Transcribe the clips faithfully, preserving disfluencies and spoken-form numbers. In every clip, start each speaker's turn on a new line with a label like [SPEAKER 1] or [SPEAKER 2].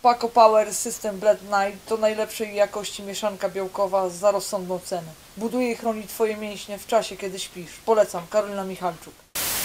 [SPEAKER 1] Paco Power System Blend Night to najlepszej jakości mieszanka białkowa za rozsądną cenę. Buduje i chroni Twoje mięśnie w czasie, kiedy śpisz. Polecam. Karolina Michalczuk.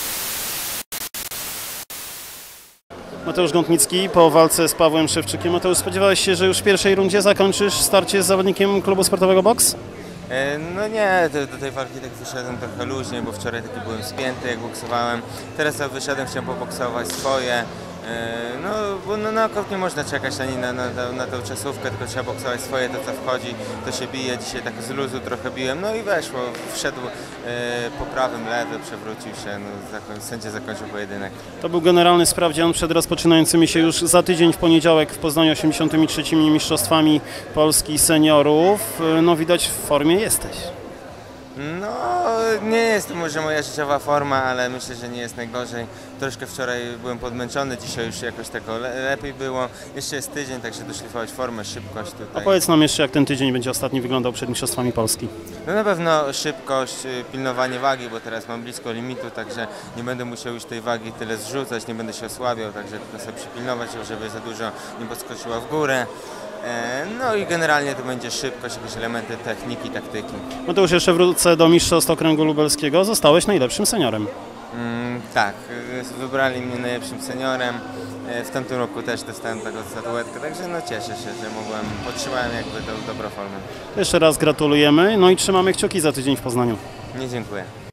[SPEAKER 2] Mateusz Gątnicki po walce z Pawłem Szewczykiem. Mateusz, spodziewałeś się, że już w pierwszej rundzie zakończysz starcie z zawodnikiem klubu sportowego Boks?
[SPEAKER 3] No nie, do, do tej walki tak wyszedłem trochę luźnie, bo wczoraj taki byłem spięty, jak boksowałem. Teraz jak wyszedłem, chciałem poboksować swoje. No, bo no, no, nie można czekać ani na, na, na, na tę czasówkę, tylko trzeba boksować swoje, to co wchodzi, to się bije. Dzisiaj tak z luzu trochę biłem, no i weszło. Wszedł e, po prawym, lewy, przewrócił się, no, zakoń, sędzia zakończył pojedynek.
[SPEAKER 2] To był generalny sprawdzian przed rozpoczynającymi się już za tydzień w poniedziałek w Poznaniu osiemdziesiątymi trzecimi mistrzostwami Polski seniorów. No widać, w formie jesteś.
[SPEAKER 3] No, nie jest to może moja życiowa forma, ale myślę, że nie jest najgorzej. Troszkę wczoraj byłem podmęczony, dzisiaj już jakoś tego le lepiej było. Jeszcze jest tydzień, także doszlifować formę, szybkość tutaj.
[SPEAKER 2] A powiedz nam jeszcze, jak ten tydzień będzie ostatni wyglądał przed mistrzostwami Polski.
[SPEAKER 3] No na pewno szybkość, pilnowanie wagi, bo teraz mam blisko limitu, także nie będę musiał już tej wagi tyle zrzucać, nie będę się osłabiał, także tylko sobie przypilnować, żeby za dużo nie podskoczyła w górę. No i generalnie to będzie szybkość, jakieś elementy techniki, taktyki.
[SPEAKER 2] Mateusz, jeszcze wrócę do mistrzostw okręgu lubelskiego. Zostałeś najlepszym seniorem.
[SPEAKER 3] Mm, tak, wybrali mnie najlepszym seniorem. W tamtym roku też dostałem taką statuetkę, także no cieszę się, że mogłem, podtrzymałem jakby tą dobrą formę.
[SPEAKER 2] Jeszcze raz gratulujemy, no i trzymamy kciuki za tydzień w Poznaniu.
[SPEAKER 3] Nie, dziękuję.